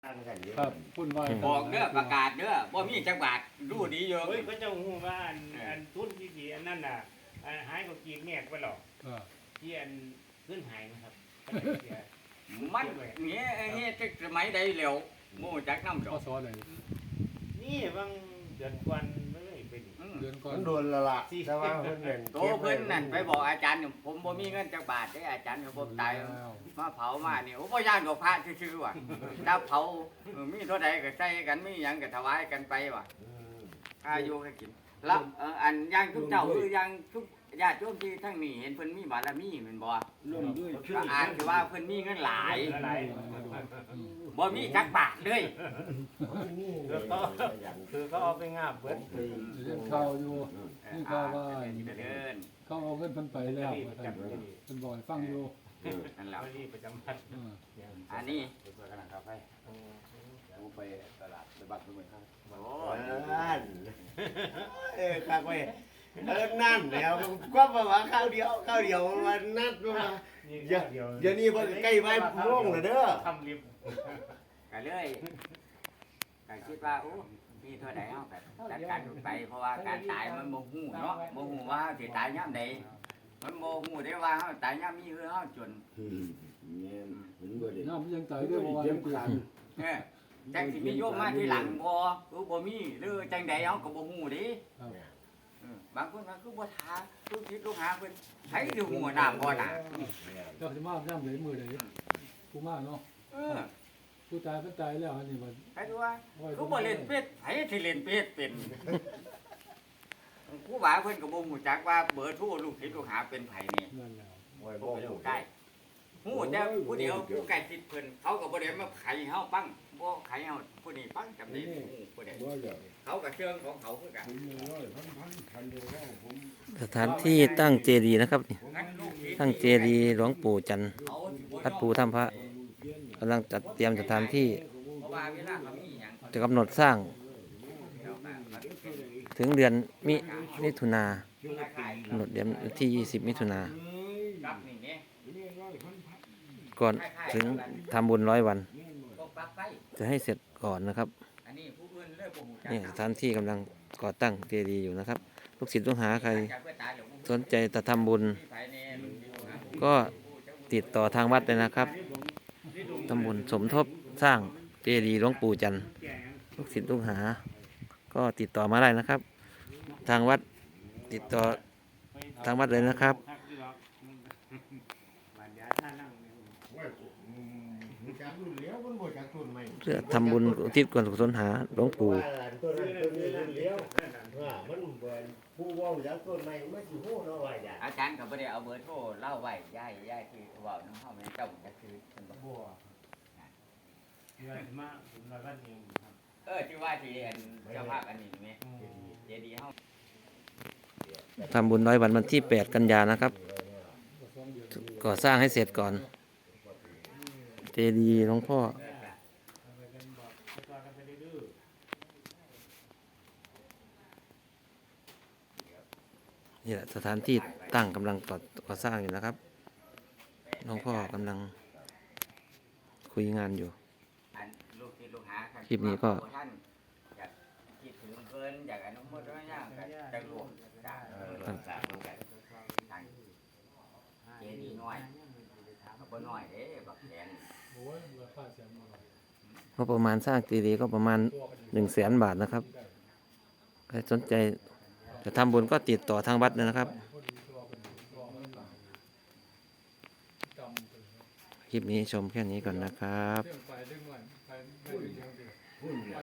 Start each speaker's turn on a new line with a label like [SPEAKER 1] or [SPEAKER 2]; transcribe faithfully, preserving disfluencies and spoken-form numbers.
[SPEAKER 1] ครับพุ่นไหว
[SPEAKER 2] บอกเด้อประกาศเด้อบ่มีจักบาทรู้ดีอยู่
[SPEAKER 3] เฮ้ยเขาเจ้าหูว่าอันอันทุนที่ดีอันนั้นน่ะอันหายก็กีบแงกไปหรอก
[SPEAKER 1] เออ
[SPEAKER 3] ที่อันขึ้นหายนะครับ
[SPEAKER 2] มันเงี้ยเงี้ยจักสมัยใดแล้วโม่จักน้ำด
[SPEAKER 1] ข้
[SPEAKER 2] อ
[SPEAKER 1] อก สอเลย
[SPEAKER 3] นี่บางเดือนกวนไม่เลยเป็น
[SPEAKER 2] อืม
[SPEAKER 1] เดือนก่อน
[SPEAKER 4] มันโดนละละแต่ว่าเพิ่นเล่น
[SPEAKER 2] โตเพิ่นนั่นไปบอกอาจารย์เนี่ยผมบ่มีเงินจักบาทเด้ออาจารย์ก็บ่ตายมาเผามานี่โอ้บ่ย่านดอกพระซื่อๆว่ะถ้าเผาเออมีเท่าใดก็ใส่กันมีหยังก็ถวายกันไปว่ะอายุก็กินแล้วเอ่ออันอย่างทุกเจ้าคืออย่างทุกญาติโยมที่ทั้งนี้เห็นเพิ่นมีบารมีแม่นบ่
[SPEAKER 4] ร่วมด้วยช่ว
[SPEAKER 2] ก็
[SPEAKER 4] ย
[SPEAKER 2] อ่านคือว่าเพิ่นมีเงินหลาย
[SPEAKER 3] อะไร
[SPEAKER 2] บ่มีจักบาทเลย
[SPEAKER 3] คือเขาคือเขาเอาไปงาบเบิด
[SPEAKER 1] เรียนข่าวอยู่นี่ข่าวว่า
[SPEAKER 2] เดิน
[SPEAKER 1] เขาเอาเงินเพิ่นไปแล้วว่าท่านเพิ่นบอกให้ฟังอยู่
[SPEAKER 2] นั่นแหละ
[SPEAKER 3] ไม่รีบประจำพัด
[SPEAKER 1] เออ
[SPEAKER 2] อันนี้
[SPEAKER 4] กำลังขับไปผมไปตลาดไปบัตรเมืองข้าง
[SPEAKER 2] โอ้
[SPEAKER 4] นั่นเออข้างไปเออนั่นแล้วก็มาว่าข้าวเดียวข้าวเดียวมันนัดมาอย่าอย่านี่เพิ่นใกล้ไว้ร่วงแล้วเด้อ
[SPEAKER 3] ทำริบ
[SPEAKER 2] ก็เลยก็คิดว่าโอ้มีเท่าใดเฮาก็จัดการไปเพราะว่าการตายมันบ่ฮู้เนาะบ่ฮู้ว่าสิตายยามใดมันบ่ฮู้ได้ว่าเฮาตายยามมีหรือเฮาจน
[SPEAKER 4] อืมเนี่ยเห็นบ่ได้
[SPEAKER 1] น้ำยังตายด้วยเพราะว่ายังเกิด
[SPEAKER 2] เออจังสิมีโยมมาทีหลังบ่หรือบ่มีหรือจังใดเฮาก็บ่ฮู้เด้
[SPEAKER 1] ครับ
[SPEAKER 2] เออบางคนว่าคือบ่ทาคือคิดลูกหาเพิ่นไผสิฮู้น้ำบ่น่ะ
[SPEAKER 1] เจ้าสิมาย่ำเลยมือใดผู้มาเนาะ
[SPEAKER 2] เออ
[SPEAKER 1] ผู้ตายเพิ่นตายแล้วอันนี้มัน
[SPEAKER 2] ไผดูว่าคือบ่เล่นเป็ดไผสิเล่นเป็ดเป็นครูบาเพิ่นก็บ่ฮู้จักว่าเบอร์โทรลูกศิษย์ลูกหาเป็นไผนี่
[SPEAKER 1] นั่นแล้ว
[SPEAKER 4] โอ้ย
[SPEAKER 2] ผ
[SPEAKER 4] บ่
[SPEAKER 2] มก็อ
[SPEAKER 4] ฮู้
[SPEAKER 2] ยู่ใกล้ฮู้แต่ผู้เดียวผู้ใกล้ชิดเพิ่นเขาก็บ่ได้มาไขเฮาปังบ่ไขเฮาผู้นี้ปังจำได้ฮู้ผู้ใด
[SPEAKER 4] บ่อยาก
[SPEAKER 2] เขาก็เชิงของเขาคือกัน
[SPEAKER 4] ผมร้อยพันพันพันเดียวแล้วผม
[SPEAKER 5] สถานที่ตั้งเจดีย์นะครับนี่
[SPEAKER 2] งั้นลูกศิษย์
[SPEAKER 5] ตั้งเจดีย์หลวงปู่จันทร์
[SPEAKER 2] เขาสิบ่ยอม
[SPEAKER 5] วัดภูถ้ำพระกำลังจัดเตรียมสถานที่
[SPEAKER 2] เพราะว่าเวลาเขามีหยัง
[SPEAKER 5] จะกำหนดสร้าง
[SPEAKER 2] เขาก็มาเป็น
[SPEAKER 5] ถึงเดือนมิมิถุนา
[SPEAKER 2] คล้ายๆ
[SPEAKER 5] กำหนดเดือนที่ยี่สิบมิถุนา
[SPEAKER 2] กับนี่แหม
[SPEAKER 5] ก่อนถึงทำบุญร้อยวัน
[SPEAKER 2] พวกปลั๊กไฟ
[SPEAKER 5] จะให้เสร็จก่อนนะครับ
[SPEAKER 2] อันนี้ผู้อื่นเลยบ่ฮู้จัก
[SPEAKER 5] นี่สถานที่กำลังก่อตั้งเจดีย์อยู่นะครับลูกศิษย์ลูกหาใคร
[SPEAKER 2] จักเพื่อตายเดี๋ยวผม
[SPEAKER 5] สนใจจะทำบุญ
[SPEAKER 2] มีไผแน่ลูกศิษย์ลูกหาผม
[SPEAKER 5] ก็ติดต่อทางวัดเลยนะครับทำบุญสมทบสร้างเจดีย์หลวงปู่จันทร์ลูกศิษย์ลูกหา ก็ติดต่อมาได้นะครับ ทางวัดติดต่อทางวัดเลยนะครับ
[SPEAKER 3] บรรยาท่านั่งเนี่ย
[SPEAKER 4] โอ้ยอืมจากรุ่นเลี้ยวมันบ่จากรุ่นใหม่
[SPEAKER 5] เพื่อทำบุญอุทิศกุศลหาหลวงปู่
[SPEAKER 4] ว่าต้นนั้นต้นนี้รุ่นเลี้ยวว่ามันเหมือนผู้เว้าจากต้นใหม่มันสิฮู้เนาะว่าอย่าง
[SPEAKER 2] อาจารย์ก็บ่ได้เอาเบอร์โทรเล่าไว้ย้ายย้ายที่เว้านำเฮาแม่นเจ้าจักคือเพิ่นบ่
[SPEAKER 3] บัวเดือนมาผมร้อยวันเองครับ
[SPEAKER 2] เออที่ว่าที่อันเจ้าภาพอันนี้แม่เจดีย์เฮา
[SPEAKER 5] ทำบุญร้อยวันวันที่แปดกันยานะครับก่อสร้างให้เสร็จก่อน เจดีย์หลวงพ่อ
[SPEAKER 3] เอาไปกันบอกไปต่อกันไปดื้อ
[SPEAKER 5] นี่แหละสถานที่ตั้งกำลังก่อก่อสร้างอยู่นะครับหลวงพ่อกำลังคุยงานอยู่
[SPEAKER 2] อันลูกศิษย์ลูกหารับ
[SPEAKER 5] คลิปนี้ก็
[SPEAKER 2] ท่านอยากคิดถึงเพิ่นอยากอนุโมทนาญาณก็จะรวมจากเออรักษาเหมือนกันทางเจดีย์น้อยก็บ่น้อยเด้บักแสน
[SPEAKER 1] โอ้ยราคาแสนบ่หน่อย
[SPEAKER 5] ก็ประมาณสร้างเจดีย์ก็ประมาณหนึ่งแสนบาทนะครับใครสนใจจะทำบุญก็ติดต่อทางวัดเลยนะครับ คลิปนี้ชมแค่นี้ก่อนนะครับ
[SPEAKER 1] เรื่องไปเรื่องหน่อยไปไม่ถึงเรื่องเดียว